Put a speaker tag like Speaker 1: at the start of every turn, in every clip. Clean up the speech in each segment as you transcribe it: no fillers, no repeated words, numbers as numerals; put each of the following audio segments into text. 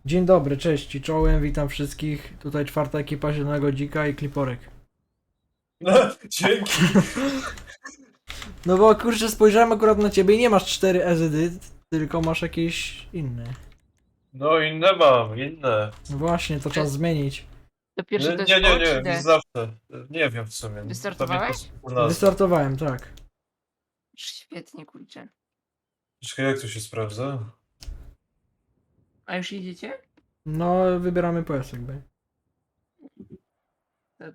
Speaker 1: Dzień dobry, cześć i czołem, witam wszystkich. Tutaj czwarta ekipa Zielonego Dzika i Kliporek.
Speaker 2: No, dzięki.
Speaker 1: No bo kurczę, spojrzałem akurat na ciebie i nie masz 4 edyt, tylko masz jakieś inne.
Speaker 2: No inne mam, inne.
Speaker 1: No właśnie, to czas zmienić.
Speaker 3: To pierwsze to jest
Speaker 2: Nie,
Speaker 3: O czy
Speaker 2: nie,
Speaker 3: D?
Speaker 2: zawsze. Nie wiem w sumie.
Speaker 3: Wystartowałeś?
Speaker 1: Wystartowałem, tak.
Speaker 3: Świetnie, kurczę.
Speaker 2: Czekaj, jak to się sprawdza?
Speaker 3: A już idziecie?
Speaker 1: No, wybieramy PS jakby.
Speaker 3: Tak.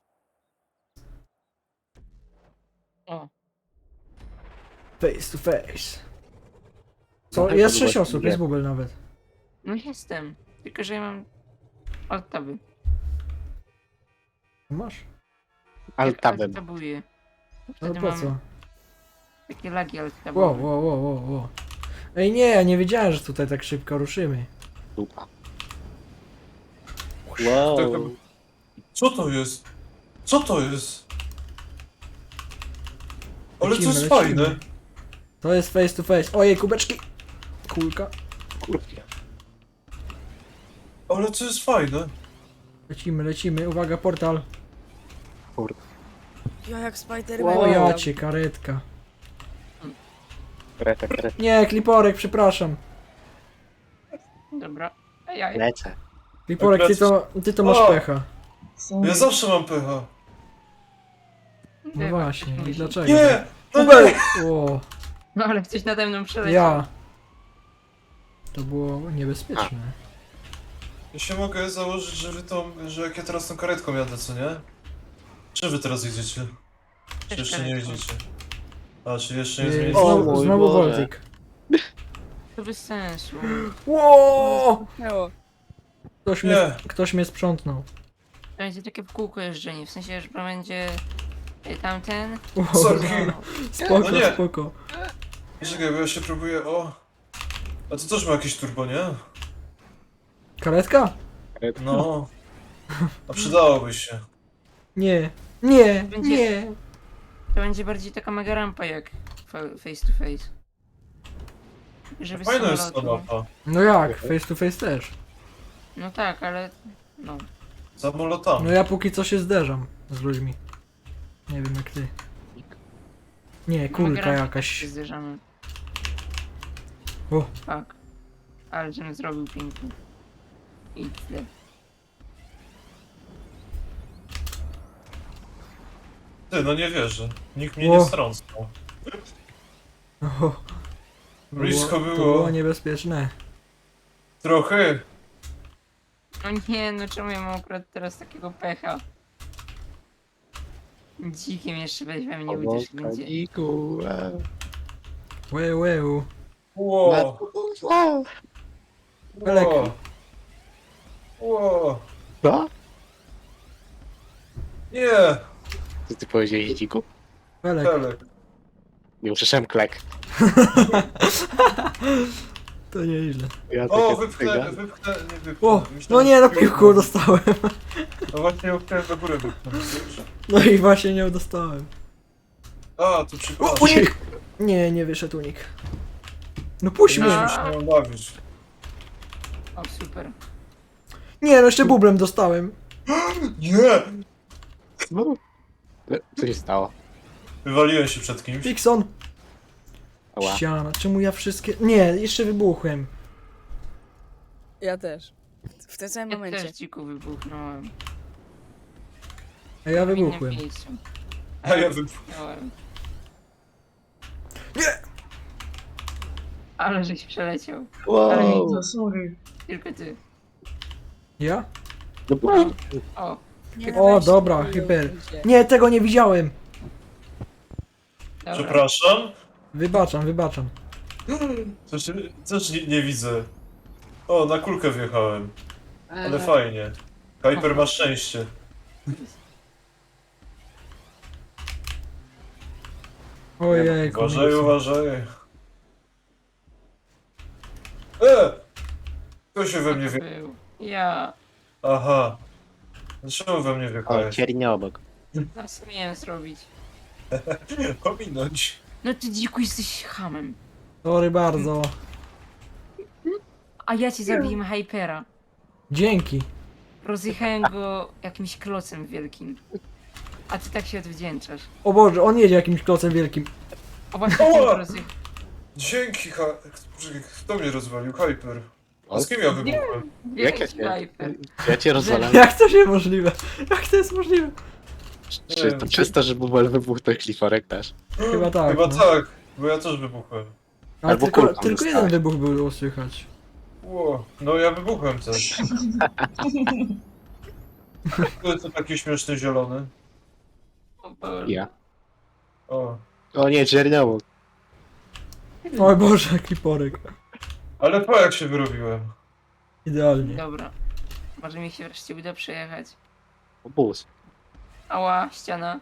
Speaker 3: O,
Speaker 1: Face to face. Co?
Speaker 4: No tak,
Speaker 1: Jest
Speaker 4: to
Speaker 1: 6
Speaker 4: było
Speaker 1: osób,
Speaker 4: źle.
Speaker 1: jest bubel nawet.
Speaker 3: no jestem. Tylko, że ja mam alt-taby.
Speaker 1: Masz?
Speaker 4: Alt-tabem.
Speaker 3: Alt-tabuję.
Speaker 1: No
Speaker 3: Wtedy
Speaker 1: po
Speaker 3: mam
Speaker 1: co?
Speaker 3: takie lagi
Speaker 1: Wow,
Speaker 3: alt-tabowe.
Speaker 1: wow. Ej nie, ja nie wiedziałem, że tutaj tak szybko ruszymy.
Speaker 4: Dupa. Wow.
Speaker 2: Co to jest? Co to jest? Ale to
Speaker 1: Lecimy,
Speaker 2: jest
Speaker 1: lecimy.
Speaker 2: fajne.
Speaker 1: To jest face to face. Ojej, kubeczki! Kulka.
Speaker 4: Kurwa.
Speaker 2: Ale to jest fajne.
Speaker 1: Lecimy, uwaga, portal.
Speaker 4: Kurwa.
Speaker 5: Ja jak Spider-Man.
Speaker 4: Wow.
Speaker 1: O ja cię, karetka.
Speaker 4: Kreta.
Speaker 1: Nie, Kliporek, przepraszam.
Speaker 3: Dobra. Ej,
Speaker 4: Lecę.
Speaker 1: Kliporek, ty to masz
Speaker 2: O!
Speaker 1: pecha.
Speaker 2: Ja zawsze mam pecha.
Speaker 1: No właśnie, i dlaczego?
Speaker 2: Nie! No
Speaker 1: Kubel!
Speaker 2: nie!
Speaker 1: O,
Speaker 3: No ale ktoś nade mną przeleciał.
Speaker 1: ja. To było niebezpieczne.
Speaker 2: Ja się mogę założyć, że jak ja teraz tą karetką jadę, co nie? Czy wy teraz jedziecie? Czy
Speaker 3: Też
Speaker 2: jeszcze nie
Speaker 3: karetką.
Speaker 2: jedziecie? A, czy jeszcze nie
Speaker 1: Yy,
Speaker 2: zmienicie?
Speaker 4: O
Speaker 1: Znowu,
Speaker 4: mój
Speaker 1: znowu
Speaker 4: Boże.
Speaker 1: Voltik.
Speaker 3: To bez sensu.
Speaker 1: Ło!
Speaker 5: Miało.
Speaker 1: Ktoś mnie sprzątnął.
Speaker 3: To będzie takie w kółko jeżdżenie. W sensie, że będzie tamten.
Speaker 1: Ło,
Speaker 2: Sorry.
Speaker 1: spoko,
Speaker 2: No nie.
Speaker 1: spoko.
Speaker 2: Czekaj, bo ja się próbuję, o... A to też ma jakieś turbo, nie?
Speaker 1: Karetka?
Speaker 2: No. A przydałoby się.
Speaker 1: Nie,
Speaker 3: Będzie-
Speaker 1: nie.
Speaker 3: To będzie bardziej taka mega rampa jak face to face. Żeby z
Speaker 2: Fajna jest ta
Speaker 3: samolotu.
Speaker 2: mapa.
Speaker 1: No jak, face to face też.
Speaker 3: No tak, ale... No.
Speaker 2: Samolotami.
Speaker 1: No ja póki co się zderzam z ludźmi. Nie wiem jak ty. Nie, kulka
Speaker 3: Mega rampa
Speaker 1: jakaś.
Speaker 3: się zderzamy.
Speaker 1: O.
Speaker 3: Tak. Ale żebym zrobił pięknie. I tyle.
Speaker 2: Ty, no nie wierzę. Nikt mnie
Speaker 1: O.
Speaker 2: nie strącał.
Speaker 1: O,
Speaker 2: Blisko
Speaker 1: To
Speaker 2: było.
Speaker 1: było niebezpieczne.
Speaker 2: Trochę.
Speaker 3: No nie, no czemu ja mam akurat teraz takiego pecha? Dzikiem jeszcze weźmie mnie uciesz nigdzie.
Speaker 4: Dziku.
Speaker 1: Łeł.
Speaker 2: Ło.
Speaker 1: Pelek.
Speaker 2: Ło. Ło.
Speaker 4: Co?
Speaker 2: Nie.
Speaker 4: Co ty powiedziałeś, dziku?
Speaker 1: Pelek.
Speaker 2: Pelek.
Speaker 4: Nie usłyszałem klek.
Speaker 1: To nieźle.
Speaker 4: Ja
Speaker 2: O,
Speaker 4: takie
Speaker 2: wypchnę,
Speaker 4: cyga.
Speaker 2: nie wypchnę.
Speaker 1: O,
Speaker 2: Myślałem,
Speaker 1: no nie, no
Speaker 2: że-
Speaker 1: piłku dostałem.
Speaker 2: No właśnie ją chciałem do góry wypchnąć.
Speaker 1: No i właśnie nie dostałem.
Speaker 2: A, tu
Speaker 1: O,
Speaker 2: przypadek.
Speaker 1: unik! Nie wyszedł unik. No puść
Speaker 2: Nie
Speaker 1: mnie.
Speaker 2: wiem, się mam bawić.
Speaker 3: O, super.
Speaker 1: Nie, no jeszcze bublem dostałem.
Speaker 2: Nie!
Speaker 4: No. Co się stało?
Speaker 2: Wywaliłem się przed kimś.
Speaker 1: Pixon.
Speaker 4: Ała.
Speaker 1: Ściana, czemu ja wszystkie... Nie, jeszcze wybuchłem.
Speaker 5: Ja też. W tym samym
Speaker 3: Ja
Speaker 5: momencie.
Speaker 3: też dziku wybuchnąłem.
Speaker 1: A ja
Speaker 3: W innym
Speaker 1: wybuchłem.
Speaker 3: miejscu.
Speaker 2: A ja wypchnąłem.
Speaker 3: wybuchnąłem.
Speaker 1: Nie!
Speaker 3: Ale żeś przeleciał.
Speaker 4: Wow.
Speaker 3: Tylko ty.
Speaker 1: Ja?
Speaker 4: No bo...
Speaker 3: O,
Speaker 5: Nie,
Speaker 1: O,
Speaker 5: weź,
Speaker 1: dobra,
Speaker 5: chuju,
Speaker 1: hyper.
Speaker 5: ludzie.
Speaker 1: Nie, tego nie widziałem.
Speaker 3: dobra.
Speaker 2: Przepraszam.
Speaker 1: Wybaczam.
Speaker 2: Coś nie widzę. O, na kulkę wjechałem. Ale
Speaker 5: Aha.
Speaker 2: fajnie. Hyper ma szczęście.
Speaker 1: Ojej,
Speaker 2: Uważaj, uważaj. Kto się we mnie
Speaker 3: Kto to
Speaker 2: wie...
Speaker 3: był? Ja.
Speaker 2: Aha. Dlaczego we mnie
Speaker 4: O,
Speaker 2: wjechałeś?
Speaker 4: ciernie obok.
Speaker 3: No co miałem zrobić?
Speaker 2: Pominąć.
Speaker 3: No ty dziku jesteś hamem.
Speaker 1: Sorry bardzo.
Speaker 3: A ja ci zabiłem Hypera.
Speaker 1: Dzięki.
Speaker 3: Rozjechałem go jakimś klocem wielkim. A ty tak się odwdzięczasz.
Speaker 1: O Boże, on jedzie jakimś klocem wielkim.
Speaker 3: O właśnie,
Speaker 2: O!
Speaker 3: tym go rozjechałem.
Speaker 2: Dzięki, kto mnie rozwalił? Hyper. A z kim ja wybuchłem?
Speaker 4: Jak ja
Speaker 3: Wielki
Speaker 4: cię,
Speaker 3: Hyper.
Speaker 4: ja cię rozwalam.
Speaker 1: Jak to się możliwe? Jak to jest możliwe?
Speaker 4: Czy to przez to, że Bubel wybuchł, to Cliforek też?
Speaker 1: Chyba tak.
Speaker 2: Chyba
Speaker 1: no.
Speaker 2: tak, bo ja też wybuchłem.
Speaker 1: Ale
Speaker 4: Albo
Speaker 1: tylko,
Speaker 4: kulką
Speaker 1: tylko jeden
Speaker 4: dostałeś.
Speaker 1: wybuch było słychać.
Speaker 2: Ło, no ja wybuchłem też. Kto jest to taki śmieszny zielony?
Speaker 3: O Boże.
Speaker 4: Ja.
Speaker 2: O.
Speaker 4: O nie, Czernowo.
Speaker 1: O Boże, jaki porek.
Speaker 2: Ale po jak się wyrobiłem?
Speaker 1: Idealnie.
Speaker 3: Dobra. Może mi się wreszcie uda przejechać.
Speaker 4: Bus.
Speaker 3: Ała, ściana.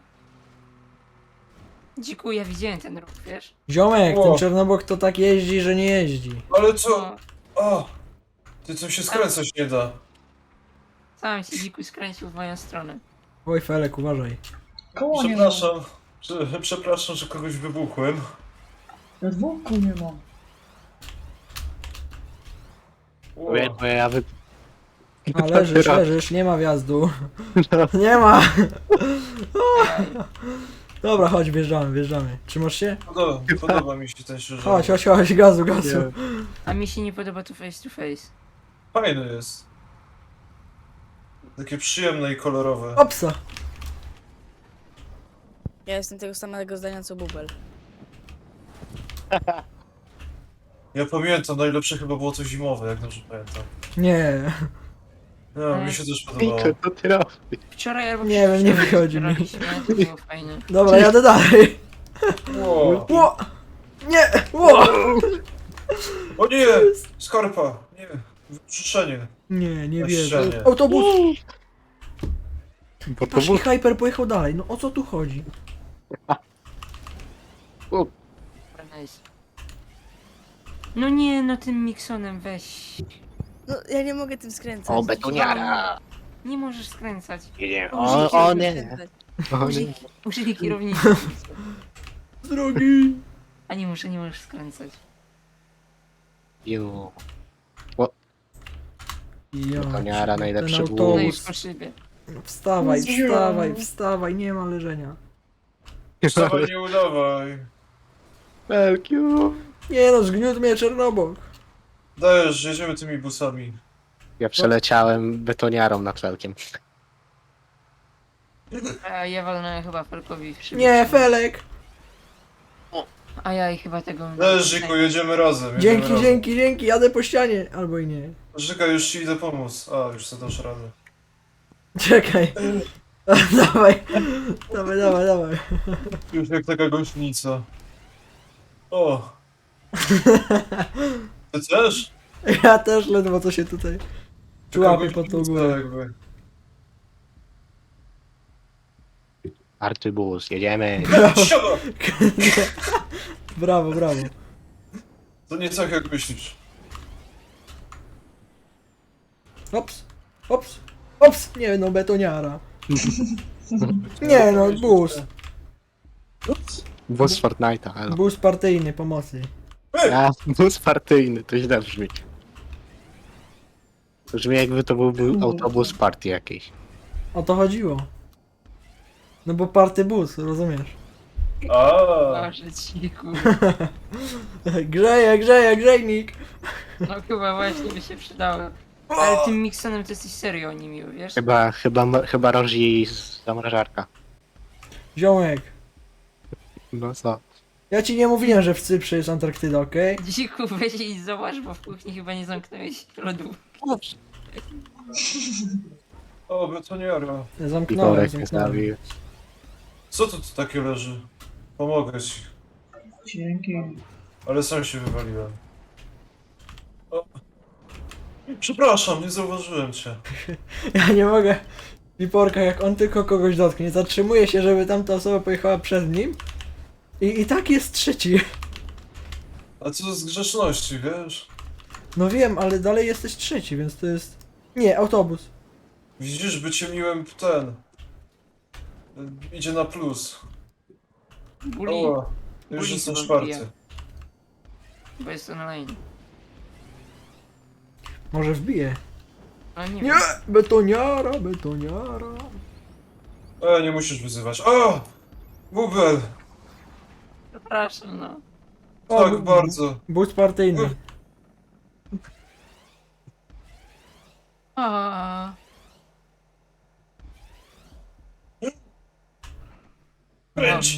Speaker 3: Dziku, ja widziałem ten ruch, wiesz?
Speaker 1: Ziomek,
Speaker 2: O.
Speaker 1: ten Czernobok to tak jeździ, że nie jeździ.
Speaker 2: Ale co?
Speaker 3: No,
Speaker 2: O! Ty co się skręcać nie da.
Speaker 3: sam się dziku skręcił w moją stronę.
Speaker 1: Oj Felek, uważaj.
Speaker 6: Koło nie ma.
Speaker 2: Przepraszam, że kogoś wybuchłem.
Speaker 6: Na dwóch kół nie ma.
Speaker 2: Ło.
Speaker 4: Bo ja
Speaker 1: A leżysz, nie ma wjazdu. Nie ma! Dobra, chodź, wjeżdżamy. Trzymasz się?
Speaker 2: Podoba mi się ten szczerze.
Speaker 1: Chodź, gazu.
Speaker 3: A mi się nie podoba tu face to face.
Speaker 2: Fajny jest. Takie przyjemne i kolorowe.
Speaker 1: Opsa!
Speaker 5: Ja jestem tego samego zdania co Bubel.
Speaker 2: Ja pamiętam, najlepsze chyba było to zimowe, jak dobrze pamiętam.
Speaker 1: Nie,
Speaker 2: No, mi się też podobało.
Speaker 4: Piko, to ty robisz.
Speaker 3: Wczoraj albo
Speaker 1: Nie wiem, nie
Speaker 3: przedwczoraj
Speaker 1: wychodzi mi.
Speaker 3: graliśmy, to było fajne.
Speaker 1: dobra, jadę dalej.
Speaker 2: Ło.
Speaker 1: Ło! Nie! Ło!
Speaker 2: O nie! Skarpa! Nie! Wyczyszczenie.
Speaker 1: Nie
Speaker 2: Na
Speaker 1: wierzę.
Speaker 2: ścianie.
Speaker 1: Autobus!
Speaker 4: Bo to
Speaker 1: Patrz, i
Speaker 4: bus.
Speaker 1: Hyper pojechał dalej. No o co tu chodzi?
Speaker 3: Dobra, nice. No nie, no tym Miksonem weź.
Speaker 5: No, ja nie mogę tym skręcać.
Speaker 4: O, betoniara.
Speaker 3: Nie możesz skręcać.
Speaker 4: Nie,
Speaker 5: Użyj
Speaker 4: o
Speaker 5: kierownicy
Speaker 4: nie.
Speaker 5: skręcać.
Speaker 4: O nie.
Speaker 3: Użyj kierownicy.
Speaker 1: Z drogi!
Speaker 3: A nie możesz skręcać.
Speaker 4: Ju.
Speaker 1: Ja,
Speaker 4: Betoniara, najlepszy
Speaker 1: ten
Speaker 4: bus.
Speaker 3: No i
Speaker 1: autobus.
Speaker 3: po szybie.
Speaker 1: Wstawaj, nie ma leżenia.
Speaker 2: Wstawaj, nie udawaj.
Speaker 4: Belkiu.
Speaker 1: Nie no, zgniótł mnie Czernobok.
Speaker 2: Dajesz, jedziemy tymi busami.
Speaker 4: Ja przeleciałem betoniarą nad felkiem.
Speaker 3: A ja walnąłem chyba Felkowi w szybę.
Speaker 1: Nie, Felek!
Speaker 3: A ja i chyba tego...
Speaker 2: Dajesz, Żyku, jedziemy razem. Jedziemy razem.
Speaker 1: Dzięki, jadę po ścianie. Albo i nie.
Speaker 2: Żyka, już ci idę pomóc. A, już sobie dasz radę.
Speaker 1: Czekaj. Dawaj.
Speaker 2: Już jak taka gośnica. O! Ty też?
Speaker 1: Ja też ledwo co się tutaj człapię pod tą
Speaker 2: gośnica
Speaker 1: górę.
Speaker 2: jakby.
Speaker 4: Artybus, jedziemy.
Speaker 2: Siada!
Speaker 1: Brawo.
Speaker 2: To nie tak jak myślisz.
Speaker 1: Ops, nie no, betoniara. Nie no, bus.
Speaker 4: Bus Fortnite'a, elo.
Speaker 1: Bus partyjny pomocy.
Speaker 4: A, bus partyjny, to źle brzmi. To brzmi jakby to byłby autobus party jakiś.
Speaker 1: O to chodziło. No bo party bus, rozumiesz?
Speaker 2: A,
Speaker 3: Boże, ciku.
Speaker 1: Grzejnik.
Speaker 3: No chyba właśnie by się przydało. Ale tym Miksonem to jesteś serio niemiły, wiesz?
Speaker 4: Chyba rozi zamrażarka.
Speaker 1: Ziomek,
Speaker 4: No co?
Speaker 1: ja ci nie mówiłem, że w Cyprze jest Antarktyda, okej?
Speaker 3: Dziku, weź i zobacz, bo w kuchni chyba nie zamknąłeś lodów.
Speaker 2: o, betoniara.
Speaker 1: Zamknąłem.
Speaker 4: Pikorek mnie zabił.
Speaker 2: Co tu takie leży? Pomogę ci.
Speaker 6: Dzięki.
Speaker 2: Ale sam się wywaliłem. O. Przepraszam, nie zauważyłem cię.
Speaker 1: Ja nie mogę. Liporka, jak on tylko kogoś dotknie, zatrzymuje się, żeby tamta osoba pojechała przed nim. I tak jest trzeci.
Speaker 2: A co z grzeczności, wiesz?
Speaker 1: No wiem, ale dalej jesteś trzeci, więc to jest... Nie, autobus.
Speaker 2: Widzisz, bycie miłem ten... Idzie na plus.
Speaker 3: Buli,
Speaker 2: O, już
Speaker 3: Buli
Speaker 2: jestem
Speaker 3: chyba
Speaker 2: czwarty.
Speaker 3: wbija. Bo jest online.
Speaker 1: Może wbije.
Speaker 3: No nie
Speaker 1: Nie!
Speaker 3: wiem.
Speaker 1: Betoniara, betoniara.
Speaker 2: Nie musisz wyzywać. O! Bubel!
Speaker 3: Przepraszam, no.
Speaker 1: O,
Speaker 2: Tak, bardzo.
Speaker 1: Boost partyjny.
Speaker 3: A.
Speaker 2: Kręć!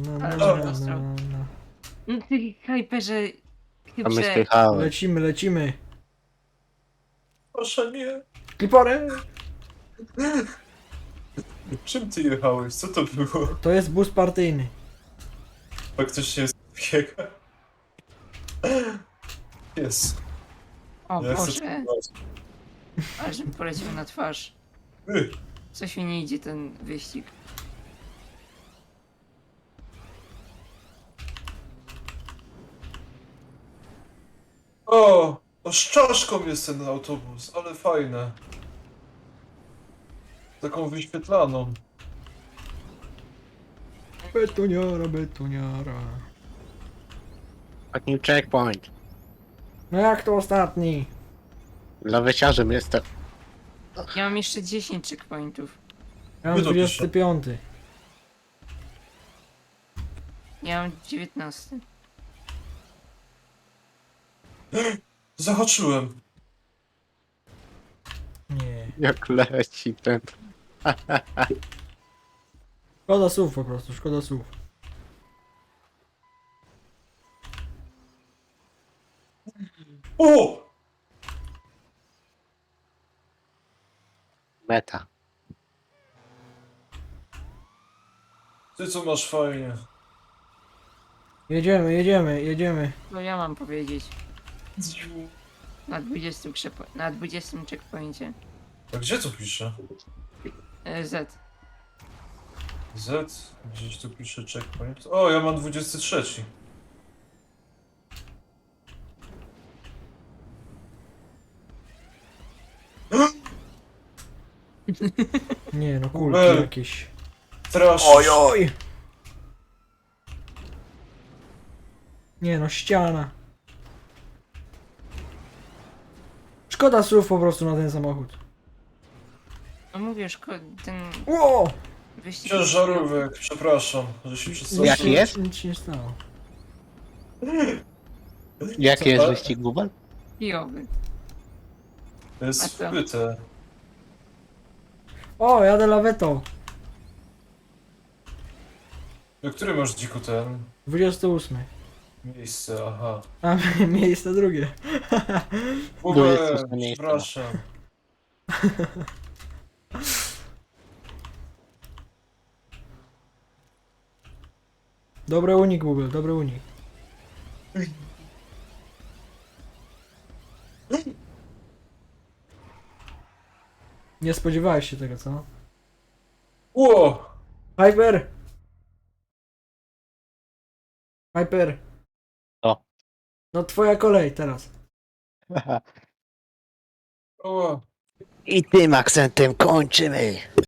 Speaker 3: No ty hyperze...
Speaker 4: A my
Speaker 3: Chybrze...
Speaker 4: spychałem.
Speaker 1: Lecimy, lecimy.
Speaker 2: Proszę nie.
Speaker 1: Klipory!
Speaker 2: Czym ty jechałeś? Co to było?
Speaker 1: To jest boost partyjny.
Speaker 2: Faktycznie jest takiego. Jest.
Speaker 3: O
Speaker 2: Ja chcę
Speaker 3: Boże,
Speaker 2: spróbować.
Speaker 3: aż mi poleciał na twarz. Coś mi nie idzie ten wyścig.
Speaker 2: O! Z czaszką jest ten autobus, ale fajne. Taką wyświetlaną.
Speaker 1: Betoniara, betoniara.
Speaker 4: Ostatni checkpoint.
Speaker 1: No jak to ostatni?
Speaker 4: Laweciarzem jestem.
Speaker 3: Ja mam jeszcze 10 checkpointów.
Speaker 1: Ja mam
Speaker 2: Wydopisz się.
Speaker 1: 25.
Speaker 3: Ja mam 19.
Speaker 2: Zahaczyłem.
Speaker 1: Nie.
Speaker 4: Jak leci ten.
Speaker 1: Szkoda słów po prostu, szkoda słów.
Speaker 2: O!
Speaker 4: Meta.
Speaker 2: Ty co masz fajnie.
Speaker 1: Jedziemy, jedziemy, jedziemy.
Speaker 3: No ja mam powiedzieć. Na 20 checkpoincie.
Speaker 2: A gdzie to pisze?
Speaker 3: Z.
Speaker 2: Z? Gdzieś tu pisze checkpoint. O, ja mam 23.
Speaker 1: Nie no, kulki
Speaker 2: Ej.
Speaker 1: jakieś.
Speaker 2: Trash.
Speaker 1: Oj! Nie no, ściana. Szkoda słów po prostu na ten samochód.
Speaker 3: No mówię, ten
Speaker 1: Ło!
Speaker 3: wyścig...
Speaker 2: Ciężarówek, przepraszam, że się przedstawiłem.
Speaker 4: Jaki jest?
Speaker 1: Nic się nie stało.
Speaker 4: Jaki
Speaker 2: Co
Speaker 4: jest
Speaker 2: to?
Speaker 4: wyścig Bubel?
Speaker 3: Kijowy.
Speaker 2: To jest
Speaker 3: A co?
Speaker 2: wbyte.
Speaker 1: O, jadę lawetą.
Speaker 2: Do której masz dziku ten
Speaker 1: 28.
Speaker 2: miejsce? Aha.
Speaker 1: A miejsce drugie.
Speaker 2: Bubel,
Speaker 4: 28 miejsce.
Speaker 2: przepraszam.
Speaker 1: Dobry unik, Google, dobry unik. Nie spodziewałeś się tego, co?
Speaker 2: Ło!
Speaker 1: Hyper! Hyper!
Speaker 4: Co?
Speaker 1: No twoja kolej teraz.
Speaker 2: Ło!
Speaker 4: I tym akcentem kończymy.